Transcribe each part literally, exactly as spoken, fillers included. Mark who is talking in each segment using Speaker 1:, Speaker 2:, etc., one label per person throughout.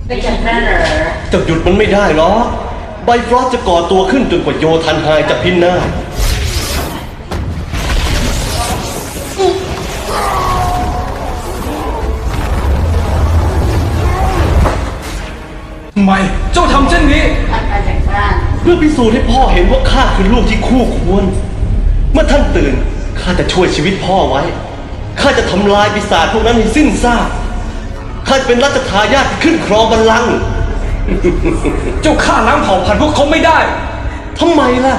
Speaker 1: ไม่จำได้เหรอ
Speaker 2: จะหยุดมันไม่ได้หรอกไบฟรอสจะก่อตัวขึ้นจนกว่าโยธันไฮจะพินาศ
Speaker 3: ทำไมเจ้าทำเช่นนี้
Speaker 1: ท่านมาจากบ้าน
Speaker 2: เพื่อพิสูจน์ให้พ่อเห็นว่าข้าคือลูกที่คู่ควรเมื่อท่านตื่นข้าจะช่วยชีวิตพ่อไว้ข้าจะทำลายปีศาจพวกนั้นให้สิ้นซากข้าจะเป็นรัชทายาทที่ขึ้นครองบัลลังก์
Speaker 3: เจ้าฆ่าล้างเผ่าพันธุ์พวกเขาไม่ได้
Speaker 2: ทำไมล่ะ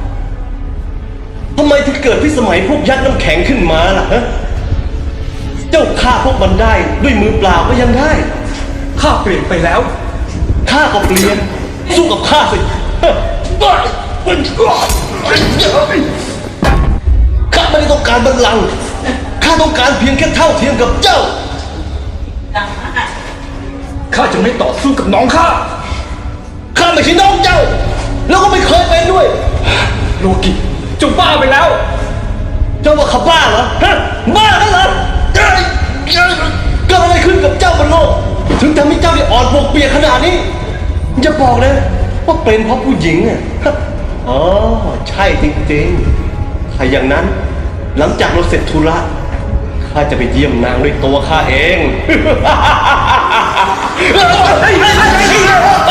Speaker 2: ทำไมถึงเกิดพิสมัยพวกยักษ์น้ำแข็งขึ้นมาล่ะฮะเจ้าฆ่าพวกมันได้ด้วยมือเปล่าก็ยังได้
Speaker 3: ข้าเปลี่ยนไปแล้ว
Speaker 2: ข้าก็เปลี่ยนสู้กับข้าสิข้าไม่ได้ต้องการบัลลังก์ข้าต้องการเพียงแค่เท่าเทียมกับเจ้า
Speaker 3: ข้าจะไม่ต่อสู้กับน้องข้า
Speaker 2: ข้าไม่ใช่น้องเจ้าแล้วก็ไม่เคยเป็นด้วย
Speaker 3: โลกิเจ้าบ้าไปแล้ว
Speaker 2: เจ้าว่าข้าบ้าเหรอฮะบ้ากันเหรอเกิดอะไรขึ้นกับเจ้าบนโลกถึงทำให้เจ้าได้อ่อนปวกเปียกขนาดนี้อย่าบอกนะว่าเป็นเพราะผู้หญิงอ่ะอ๋อใช่จริงๆถ้าอย่างนั้นหลังจากเราเสร็จธุระข้าจะไปเยี่ยมนางด้วยตัวข้าเอง